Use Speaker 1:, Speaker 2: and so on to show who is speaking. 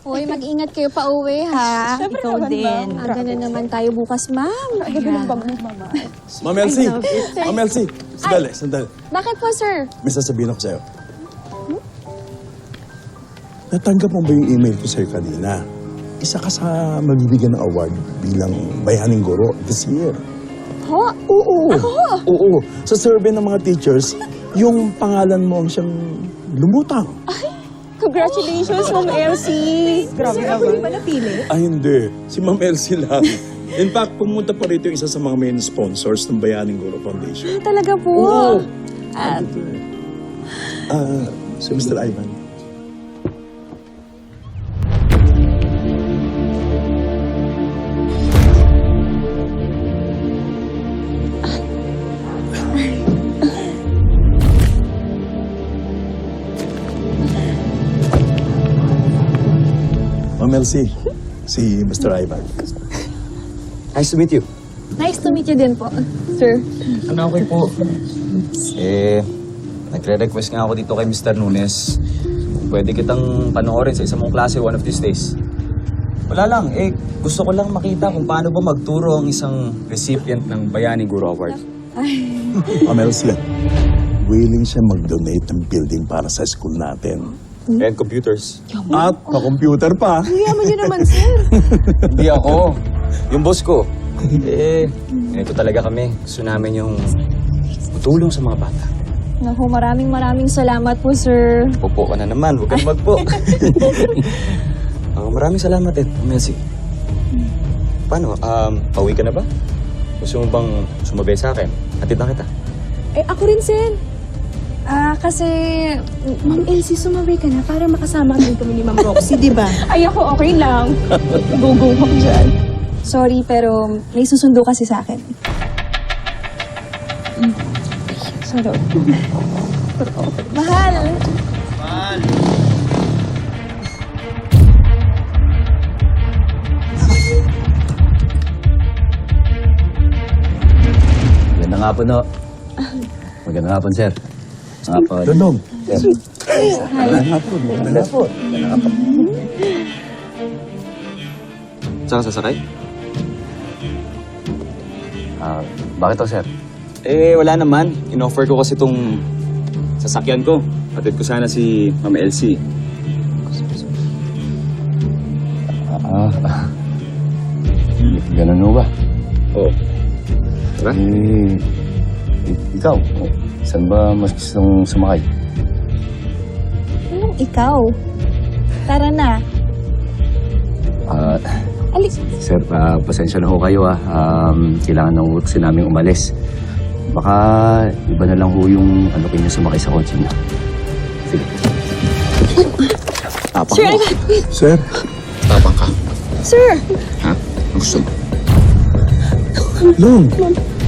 Speaker 1: Hoy, mag-ingat kayo pa uwi, ha?
Speaker 2: Ikaw din.
Speaker 1: Aga na naman tayo bukas, ma'am.
Speaker 3: Ma'am Elsie! Ma'am Elsie! Sandali, sandali.
Speaker 1: Bakit po, sir?
Speaker 3: May sasabihin ako sa'yo. Natanggap mo ba yung email ko sa'yo kanina? Isa ka sa mabibigyan ng award bilang Bayaning Guro this year.
Speaker 1: Ho?
Speaker 3: Oo. Oo. Sa survey ng mga teachers, yung pangalan mo ang siyang lumutang.
Speaker 1: Congratulations, Ma'am Elsie.
Speaker 2: Grabe ka ba napili?
Speaker 3: Ah, hindi. Si Ma'am Elsie lang. In fact, pumunta pa rito yung isa sa mga main sponsors ng Bayaning Guro Foundation.
Speaker 1: Talaga po.
Speaker 3: Oo. Si Mr. Ivan. Ma'am Elsie, si Mr. Ivan.
Speaker 4: Nice to meet you.
Speaker 1: Nice to meet you din po, sir.
Speaker 4: Ano, okay po. Nagre-request nga ako dito kay Mr. Nunes. Pwede kitang panoorin sa isang mong klase one of these days. Wala lang, gusto ko lang makita kung paano ba magturo ang isang recipient ng Bayaning Guro Award.
Speaker 3: Ma'am Elsie, willing siya mag-donate ng building para sa school natin.
Speaker 4: And computers.
Speaker 3: At pa-computer pa.
Speaker 1: Yaman niyo naman, sir.
Speaker 4: Hindi ako. Yung boss ko. Ito talaga kami. Gusto namin yung tutulong sa mga bata.
Speaker 1: Naku, maraming salamat po, sir.
Speaker 4: Pupo ka na naman. Huwag kang magpo. Maraming salamat din, Melcy. Paano? Pauwi ka na ba? Gusto mo bang sumabay sa akin? Hatid na kita.
Speaker 1: Ako rin, sir. Kasi...
Speaker 2: Ma'am Elsie, sumabay ka na para makasama din kami ni Ma'am Roxy, di ba?
Speaker 1: Ay, ako okay lang. Go ako dyan. Sorry, pero may susundo kasi sa akin. Sorry. Mahal!
Speaker 5: Magandang hapon, no? Magandang hapon, sir. Magandang hapon.
Speaker 3: Danog.
Speaker 5: Sir.
Speaker 3: Magandang hapon. Magandang hapon.
Speaker 4: Saan ka sasakay?
Speaker 5: Bakit to, sir?
Speaker 4: Wala naman. In-offer ko kasi itong sasakyan ko. Hatid ko sana si Ma'am Elsie.
Speaker 5: Ganun mo ba?
Speaker 4: Oo. Tara.
Speaker 5: Ikaw, saan ba mas gustong sumakay?
Speaker 1: Anong ikaw? Tara na. Alis.
Speaker 5: Sir, pasensya na ho kayo, kailangan ng work namin umalis. Baka iba na lang ho yung ano kayo sumakay sa kotse niya. Sige.
Speaker 4: Tapang
Speaker 1: Sir,
Speaker 4: mo.
Speaker 1: Ivan!
Speaker 3: Sir,
Speaker 4: Tapang ka.
Speaker 1: Sir!
Speaker 4: Ha? Ang gusto mo?
Speaker 3: Long.